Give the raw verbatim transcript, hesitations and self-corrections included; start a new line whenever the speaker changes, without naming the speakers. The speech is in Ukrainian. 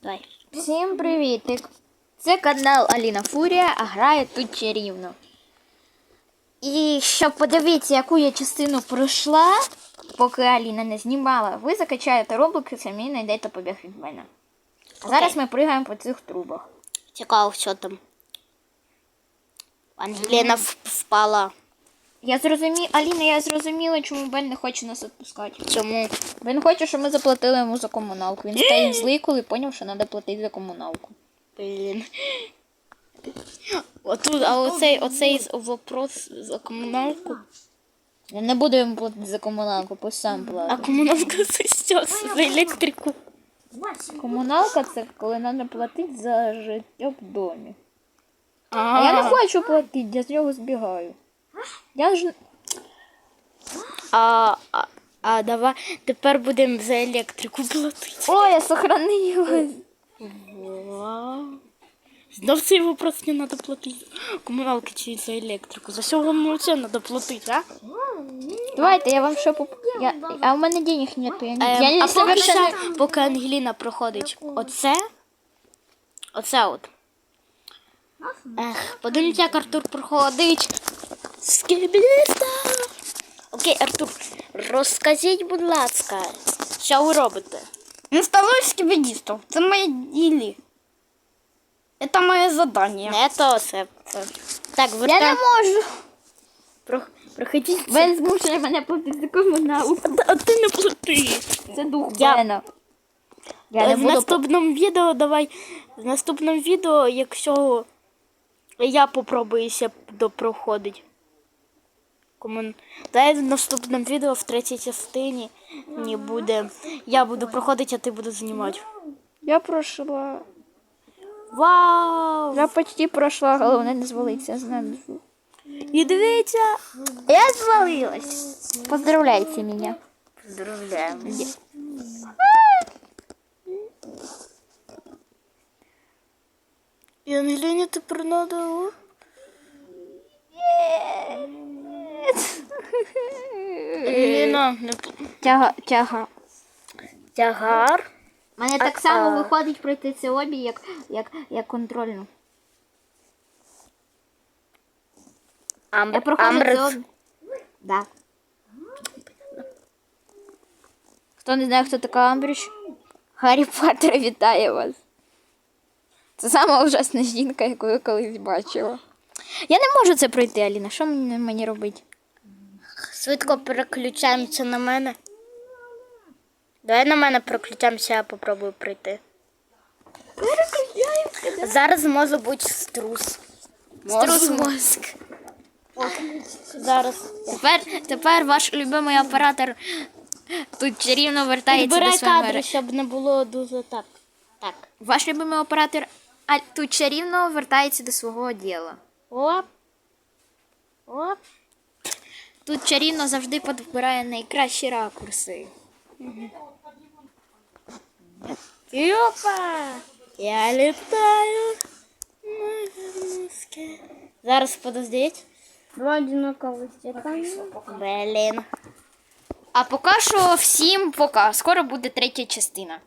Давай.
Всім привітик! Це канал Аліна Фурія, а грає тут чарівно. І щоб подивитися, яку я частину пройшла, поки Аліна не знімала, ви закачаєте роблики, самі знайдете побіг від мене. А
Окей.
зараз ми пригаємо по цих трубах.
Цікаво, що там. Ангеліна в- впала.
Я зрозумі... Аліна, я зрозуміла, чому Бен не хоче нас відпускати.
Чому?
Він хоче, щоб ми заплатили йому за комуналку. Він стає злий, коли зрозумів, що треба платити за комуналку.
Блін. Отут, а оцей, оцей з- вопрос за комуналку.
Я не буду йому платити за комуналку, пусть сам
А
платить.
комуналка за що? За електрику.
Комуналка це коли треба платити за життя в домі.
А,
А я не хочу платити, я з нього збігаю. Я ж...
А, а, а давай тепер будемо за електрику платити.
О, я сохранилась.
Вау. Знов цей вопрос не треба платити. Комуналки чи за електрику. За що вам взагалі треба платити, а?
Давайте, я вам ще поп... Я... А у мене денег нету, я не...
Ем,
я не
а поки,
совершенно...
що, поки Ангеліна проходить оце, оце от. Ех, подивіться, як Артур проходить. Скібліста. Окей, Артур, розкажіть, будь ласка, що ви робите?
Инсталлируй скибидистов. Это мои дели. Это мое задание.
Не то це. це. Так,
Я не
вертаємо.
можу.
Про, проходіть.
Бен змушує мене платити за комуналку.
А ти не плати.
Це дух
Я-
Бена. Я не
в
буду...
наступному відео давай. В наступному відео, якщо я попробую ще допроходить. Комун... Дай в наступному відео в третій частині не буде. Я буду проходити, а ти будеш знімати.
Я пройшла.
Вау!
Я почти пройшла, головне не звалитися з нами.
І дивіться!
Я звалилась. Поздравляйте меня.
Поздравляємо. І Ангеліні тепер надо. Ангеліна, не п-
Тяга, тяга.
тягар.
У мене так само виходить пройти це обі, як, як, як контрольну.
Амбр...
Я проходжу це
Амбрис.
обі. Да. Хто не знає, хто така Амбріч? Гаррі Поттер вітає вас. Це сама ужасна жінка, яку я колись бачила. Я не можу це пройти, Аліна. Що мені, мені робити?
Швидко переключаємося на мене. Давай на мене переключаємося, я попробую прийти. Зараз може бути струс.
Струс мозк.
Зараз.
Тепер, тепер ваш любимий оператор тут чарівно вертається до
Підбирай
своєї
кадри,
мери.
щоб не було дуже так. Так.
Ваш любимий оператор а, тут чарівно вертається до свого діла.
Оп. Оп.
Тут чарівно завжди підбирає найкращі ракурси.
Опа! Я літаю. Зараз подождіть.
Два одинаковых стекана.
Блін.
А поки що всім пока. Скоро буде третя частина.